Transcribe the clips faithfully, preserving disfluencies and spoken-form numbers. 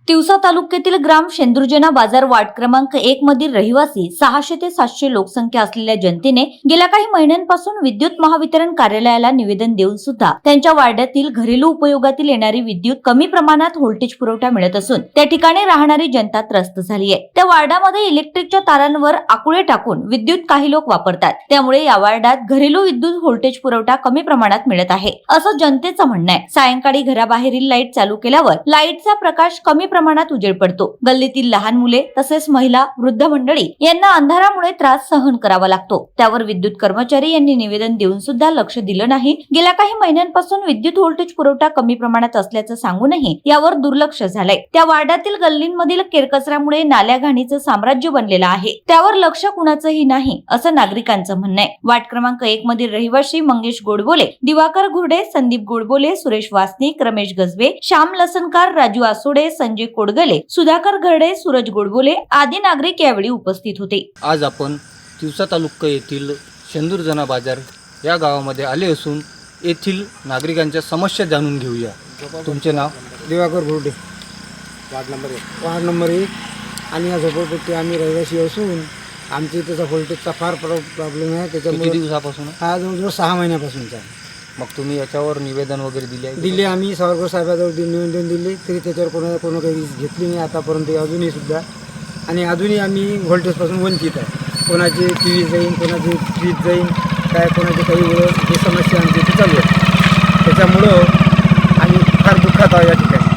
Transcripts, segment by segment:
तिवसा तालुक्यातील ग्राम शेंदुर्जना बाजार वार्ड क्रमांक एक मधील रहिवासी सहाशे ते सातशे लोकसंख्या असलेल्या जनतेने गेल्या काही महिन्यांपासून विद्युत महावितरण कार्यालयाला निवेदन देऊन सुद्धा त्यांच्या वार्डातील घरेलू उपयोगातील येणारी विद्युत कमी प्रमाणात व्होल्टेज पुरवठा मिळत असून त्या ठिकाणी राहणारी जनता त्रस्त झाली आहे। त्या वार्डामध्ये इलेक्ट्रिकच्या तारांवर आकुळे टाकून विद्युत काही लोक वापरतात, त्यामुळे या वार्डात घरेलू विद्युत व्होल्टेज पुरवठा कमी प्रमाणात मिळत आहे असं जनतेचं म्हणणं आहे। सायंकाळी घराबाहेरील लाईट चालू केल्यावर लाईटचा प्रकाश कमी प्रमाणात उजेड पडतो। गल्लीतील लहान मुले तसेच महिला, वृद्ध मंडळी यांना अंधारामुळे त्रास सहन करावा लागतो। त्यावर विद्युत कर्मचारी यांनी निवेदन देऊन सुद्धा लक्ष दिलं नाही। गेल्या काही महिन्यांपासून विद्युत व्होल्टेज पुरवठा कमी प्रमाणात असल्याचं सांगूनही यावर दुर्लक्ष झालंय। त्या वार्डातील गल्लींमधील केरकचऱ्यामुळे नाल्या घाणीचं साम्राज्य बनलेलं आहे, त्यावर लक्ष कुणाचंही नाही असं नागरिकांचं म्हणणं आहे। वार्ड क्रमांक एक मधील रहिवासी मंगेश गोडबोले, दिवाकर घुर्डे, संदीप गोडबोले, सुरेश वासनिक, रमेश गजबे, श्याम लसनकार, राजू आसोडे, संजय कोडगले, सुधाकर घरडे, सूरज गोडबोले आदी नागरिक यावेळी उपस्थित होते। आज आपण तिवसा तालुका येथील शेंदुर्जना बाजार या गावामध्ये आले असून येथील नागरिकांच्या समस्या जाणून घेऊया। तुमचे नाव? दिवाकर घुर्डे, वार्ड नंबर एक वार्ड नंबर एक आणि या झोपडपट्टी आम्ही रहिवासी असून आमच्या इथेचा व्होल्टेजचा फार प्रॉब्लेम आहे। किती त्याच्यामुळे दिवसापासून? हा जवळजवळ सहा महिन्यापासूनचा आहे। मग तुम्ही याच्यावर निवेदन वगैरे दिले आहे? दिले आम्ही सावरकर साहेबाजवळ निवेदन दिले, तरी त्याच्यावर कोणा कोणा काही वीज घेतली नाही आतापर्यंत अजूनही सुद्धा। आणि अजूनही आम्ही व्होल्टेजपासून वंचित आहे। कोणाचे टी व्ही जाईन, कोणाचे फ्रीज जाईन, काय कोणाचे काही वेळ हे समस्या आमच्या इथे चालू आहे। त्याच्यामुळं आम्ही फार दुःखात आहोत या ठिकाणी।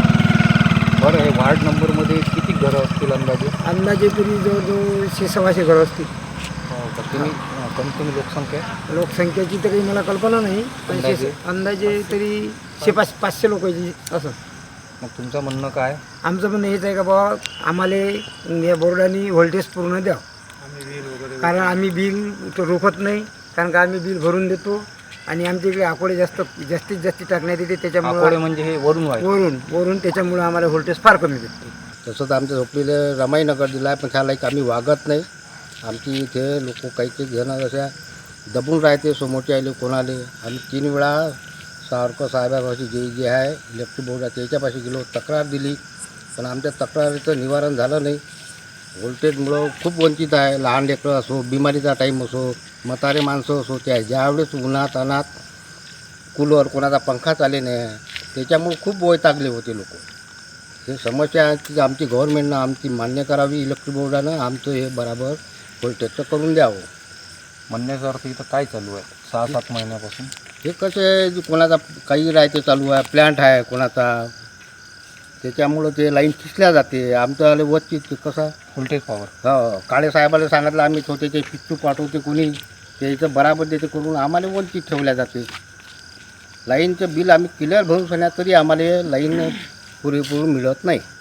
बरं, हे वार्ड नंबरमध्ये किती घरं असतील अंदाजे? अंदाजे तरी जवळजवळ शे सव्वाशे घरं असतील। हो का? तुम्ही कमी कमी लोकसंख्या आहे? लोकसंख्येची तर काही मला कल्पना नाही, पण अंदाजे? शे- अंदाजे तरी शे पाच पाचशे लोकांची असं। मग तुमचं म्हणणं काय? आमचं म्हणणं हेच आहे का बाबा आम्हाला या बोर्डाने व्होल्टेज पूर्ण द्या, कारण आम्ही बिल तो रोखत नाही, कारण का आम्ही बिल भरून देतो आणि आमच्या इकडे आकोडे जास्त जास्तीत जास्त टाकण्यात येते। आकोडे त्याच्यामुळे म्हणजे हे वरून आहे? वरून वरून त्याच्यामुळे आम्हाला व्होल्टेज फार कमी भेटते। तसं तर आमच्या झोपडीला रमाईनगर दिला आहे, पण ह्या लाईक आम्ही वागत नाही। आमची इथे लोक काही काही जण अशा दबून राहते समोरचे आले कोणाले। आम्ही तीन वेळा सावरकर साहेबापाशी जे जे आहे इलेक्ट्रिक बोर्ड आहे त्याच्यापाशी गेलो, तक्रार दिली, पण आमच्या तक्रारीचं निवारण झालं नाही। व्होल्टेजमुळं खूप वंचित आहे। लहान लेकरं असो, बिमारीचा टाईम असो, म्हातारे माणसं असो, त्या ज्यावेळेस उन्हात अनात कूलर कोणाचा पंखा चाले नाही, त्याच्यामुळे खूप वैतागले होते लोक। हे समस्या आहे की आमची गव्हर्नमेंटनं आमची मान्य करावी, इलेक्ट्रिक बोर्डानं आमचं हे बराबर व्होल्टेजचं करून द्यावं। म्हणण्याचा अर्थ इथं काय चालू आहे सहा सात महिन्यापासून? हे कसे कोणाचा काही राहते चालू आहे, प्लॅन्ट आहे कोणाचा, त्याच्यामुळं ते लाईन खिचल्या जाते। आमचं आले वच्चित कसा व्होल्टेज पॉवर? हो, काळे साहेबाला सांगितलं आम्ही छोटे ते पिच्चू पाठवते कोणी, त्याचं बराबर देते करून आम्हाला वंचित ठेवल्या जाते। लाईनचं बिल आम्ही क्लिअर भरून सांगण्यात तरी आम्हाला लाईन पुरेपूर मिळत नाही।